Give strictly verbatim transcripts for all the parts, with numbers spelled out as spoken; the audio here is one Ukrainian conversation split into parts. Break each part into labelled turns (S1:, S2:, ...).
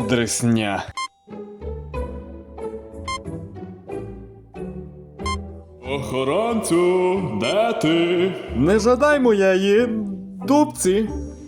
S1: Дресня. Охоронцю, де ти? Не жадай моєї дубці.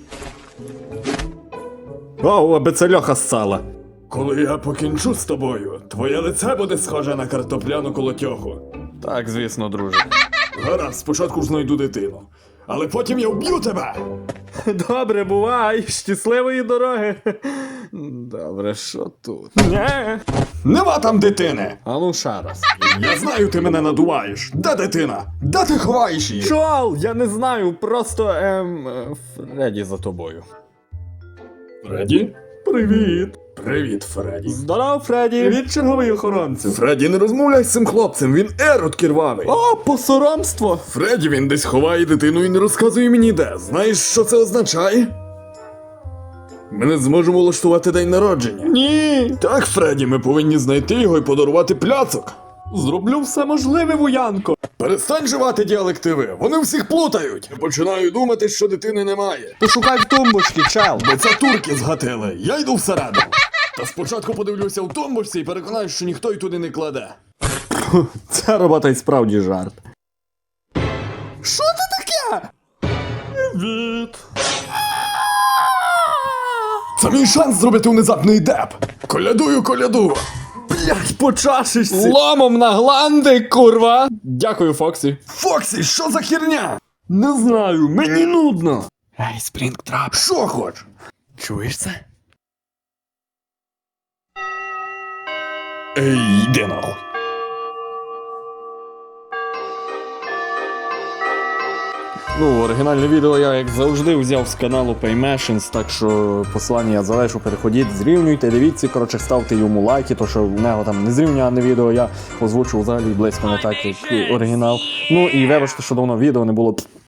S1: О, аби це льоха ссала. Коли я покінчу з тобою, твоє лице буде схоже на картопляну колотьоху. Так, звісно, друже. Гаразд, спочатку ж знайду дитину. Але потім я вб'ю тебе! Добре, бувай, щасливої дороги. Добре, що тут? Не. Нема там дитини! А ну ще раз. Я знаю, ти мене надуваєш. Де дитина? Де ти ховаєш її? Чол, я не знаю, просто, ем, Фредді за тобою. Фредді? Привіт. Привіт, Фредді. Здоров, Фредді. Привіт, черговий охоронцю. Фредді, не розмовляй з цим хлопцем, він ерот кірвавий. О, посоромство. Фредді, він десь ховає дитину і не розказує мені де. Знаєш, що це означає? Ми не зможемо влаштувати день народження. Ні. Так, Фредді, ми повинні знайти його і подарувати пляцок. Зроблю все можливе, воянко. Перестань живати діалективи, вони всіх плутають. Я починаю думати, що дитини немає. Пошукай в тумбочці, чел. Бо це турки згатили, я йду всередину. Та спочатку подивлюся в тумбочці і переконаюсь, що ніхто й туди не кладе. Ця робота й справді жарт. Що це таке? Привіт. Це мій шанс зробити внезапний деп. Колядую, коляду. Блять, по чашечці. Ломом на гланди, курва. Дякую, Фоксі. Фоксі, що за херня? Не знаю, мені нудно. Ей, Спрінгтрап. Що хоч? Чуєш це? Ей, йди нахуй. Ну, оригінальне відео я, як завжди, взяв з каналу Paymashins, так що посилання я залишу, переходіть, зрівнюйте, дивіться, коротше, ставте йому лайки, то що в нього там не зрівняне відео, я озвучу взагалі близько не так, як оригінал. Ну і вибачте, що давно відео не було.